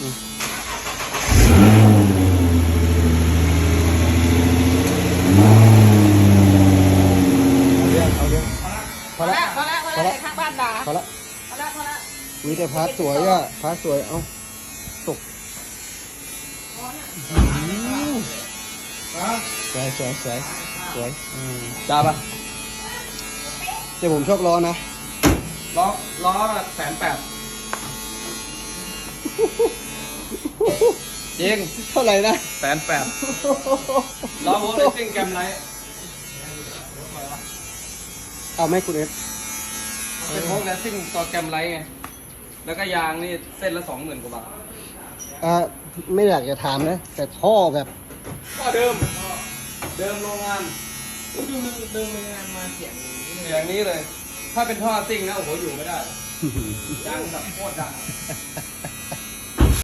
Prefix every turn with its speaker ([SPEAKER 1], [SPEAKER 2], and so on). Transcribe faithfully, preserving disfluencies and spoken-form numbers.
[SPEAKER 1] เรื่องเอาเรื่องพอละ
[SPEAKER 2] พอละพอละข้างบ้านด่า
[SPEAKER 1] พอละ
[SPEAKER 2] พอละพอละ
[SPEAKER 1] มีแต่พาร์ทสวยอ่ะพาร์ทสวยเอาตกสวยสวยสวยสวยจ้าปะแต่ผมชอบล้อนะ
[SPEAKER 3] ล้อล้อแบบแสนแปดจริง
[SPEAKER 1] เท่าไหร่นะ
[SPEAKER 3] แสนแปดล้อโวลต์ซิ่งแกมไลท์
[SPEAKER 1] เอาไหมคุณเอฟ
[SPEAKER 3] เป็นโวลต์ซิ่งตัวแกมไลท์ไงแล้วก็ยางนี่เส้นละสองหมื่นกว่าบาท
[SPEAKER 1] อ่าไม่อยากจะถามนะแต่ท่อแบบ
[SPEAKER 3] ก็เดิม เดิมโรงงาน
[SPEAKER 2] ดูเดินงานมาเสียง
[SPEAKER 3] อย่างนี้เลย ถ้าเป็นท่อซิ่งนะโอ้โหอยู่ไม่ได้ยางแบบโคตรดัง